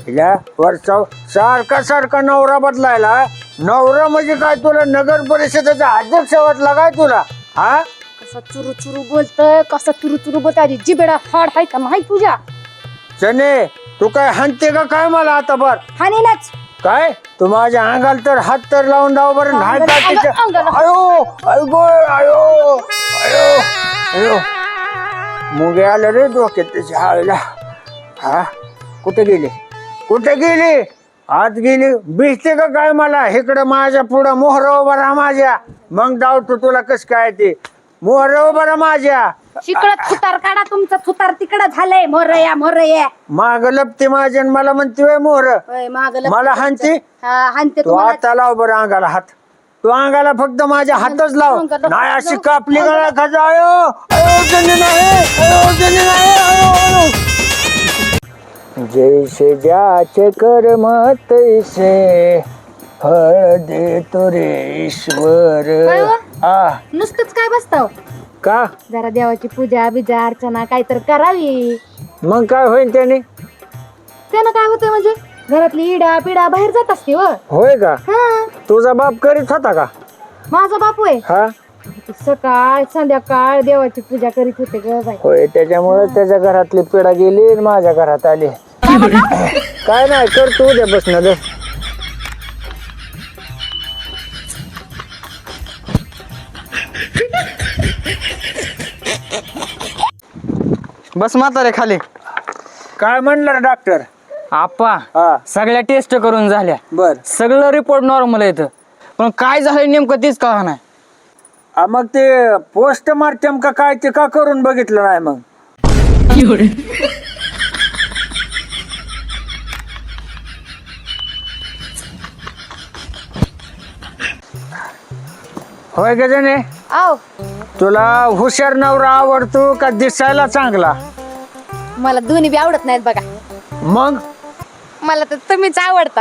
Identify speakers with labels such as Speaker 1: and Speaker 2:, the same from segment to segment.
Speaker 1: या वरचा सारखा सारखा नवरा बदलायला. नवरा म्हणजे काय तुला नगर परिषदेचा अध्यक्ष वाटला काय तुला? हा
Speaker 2: कसा चुरू चुरू बोलतोय, कसा चुरू चुरू बोलतोय. जिबेडा हाड हाय का माहित तुझ्या?
Speaker 1: चने तू काय हाणते का काय मला आता? बर
Speaker 2: हानीलाच
Speaker 1: काय तू माझ्या अंगाला तर हात तर लावून डाव बरं नाही का त्याच्या? आयो आयो आयो आयो आयो मुंगे आलं रे डोक्यात त्याच्या हाळीला. हा कुठे गेली? कुठे गेली? आत गेली भिजते का काय मला? इकडं माझ्या पुढं मोहर उभा राहा माझ्या, मग डावतो तुला कस काय ते. मोहर उभा राहा माझ्या.
Speaker 2: शिकळत थुतार काढा तुमचं. थुतार तिकडं झालंय. मोरया मोरया
Speaker 1: माग लपते माझ्या आणि मला म्हणते मोहर. मला हाणते.
Speaker 2: हानते
Speaker 1: तू आता लाव बरं अंगाला हात. तू अंगाला फक्त माझ्या हातच लाव. नाही अशी कापली गळा खाजा. आयो आयो जनी नाही, आयो जनी नाही, आयो आयो. जैसे ज्याचे कर्म तैसे फळ देतो रे ईश्वर.
Speaker 2: नुसतंच काय बसताव?
Speaker 1: का
Speaker 2: जरा देवाची पूजा बिजा अर्चना काय तर करावी.
Speaker 1: मग काय होईल त्याने?
Speaker 2: त्यानं काय होतंय म्हणजे घरातली इडा पिडा बाहेर जात असते.
Speaker 1: होय का?
Speaker 2: हा
Speaker 1: तुझा बाप करीत होता का?
Speaker 2: माझा बापू आहे.
Speaker 1: हा
Speaker 2: सकाळ संध्याकाळ देवाची पूजा करीत होते ग बाई.
Speaker 1: होय त्याच्यामुळे त्याच्या घरातली पिढा गेली आणि माझ्या घरात आली. काय नाही कर तू उद्या बसणं दे.
Speaker 3: बस म्हातारे खाली.
Speaker 1: काय म्हणलं डॉक्टर?
Speaker 3: आप्पा
Speaker 1: हा
Speaker 3: सगळ्या टेस्ट करून झाल्या,
Speaker 1: बर.
Speaker 3: सगळं रिपोर्ट नॉर्मल येतं, पण काय झालं नेमकं तेच कळा नाही.
Speaker 1: मग ते पोस्टमार्टम का काय ते का करून बघितलं नाही मग? होय गजने
Speaker 2: आव
Speaker 1: तुला हुशार नवरा आवडतो का दिसायला चांगला?
Speaker 2: मला दोन्ही बी आवडत नाहीत बघा.
Speaker 1: मग
Speaker 2: मला तर तुम्हीच आवडता.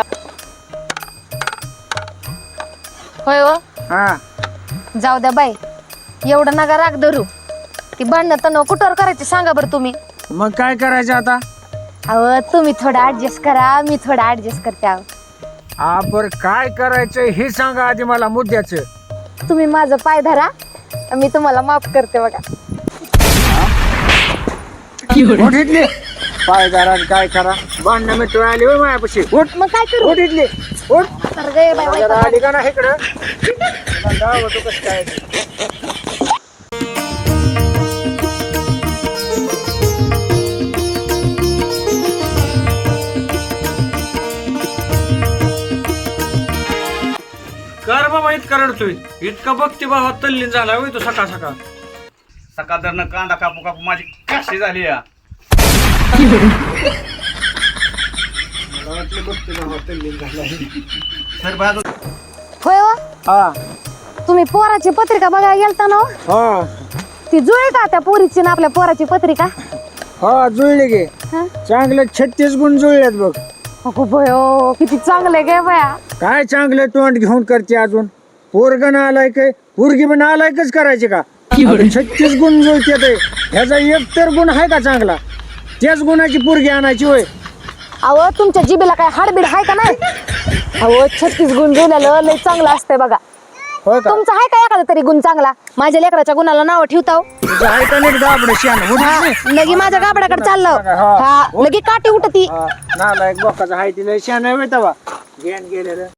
Speaker 2: होय हो.
Speaker 1: हा
Speaker 2: जाऊ द्या बाई, एवढं नका राग धरू. ती भांडणं तणाव कुठवर करायची सांगा बरं तुम्ही.
Speaker 1: मग काय करायचं आता?
Speaker 2: अहो तुम्ही थोडं ऍडजस्ट करा, मी थोडं ऍडजस्ट करते. आहो
Speaker 1: आपण काय करायचं हे सांगा आधी मला मुद्द्याचं.
Speaker 2: तुम्ही माझं पाय धरा, मी तुम्हाला माफ करते बघा.
Speaker 1: उठितली पायदारात काय करा भांडणं मित्र आली होय मायापाशी. उठ
Speaker 2: मग काय करू?
Speaker 1: उठितली उठ.
Speaker 2: तर गे बाई,
Speaker 1: जरा आली का ना इकडं तुला दावतो कसं काय ते.
Speaker 4: कर बाबा इतका रडतोय, इतका बघते बाबा तल्लीन झाला होय तो सकाळ सकाळ.
Speaker 5: सकाळ धरणं कांदा कापू कापू माझी काशी झाली या. सर बाजू
Speaker 2: होय हो.
Speaker 1: हा
Speaker 2: तुम्ही पोराची पत्रिका बघायला गेलता ना हो?
Speaker 1: हा
Speaker 2: ती जुळली का त्या पोरीची ना आपल्या पोराची पत्रिका?
Speaker 1: हा जुळले गे.
Speaker 2: हा?
Speaker 1: चांगले 36 गुण जुळलेत बघ.
Speaker 2: अगो बयो, किती चांगले गे बया.
Speaker 1: काय चांगलं तोंड घेऊन करते अजून? पोरगण आलाय काय पोरगी पण आलायकच करायचे का? 36 गुण जुळते. ह्याचा एक तर गुण आहे का चांगला? त्याच गुणाची पोरगी आणायची होय.
Speaker 2: अहो तुमच्या जिबेला काय हाडबीड आहे का नाही? अहो 36 गुण जुळलेलं लय चांगलं असतंय बघा.
Speaker 1: होय का?
Speaker 2: तुमचा आहे का एखादा तरी गुण चांगला? माझ्या लेकराच्या गुणाला नाव ठेवताव.
Speaker 1: तुझं आहे का नीट गाबडं शान?
Speaker 2: लगी माझ्या गाबड्याकडे चाललो. हा लगी काठी उठती.
Speaker 1: नालायक बोकाचा आहे तिला शान आहे तवा घेऊन गेलेलं.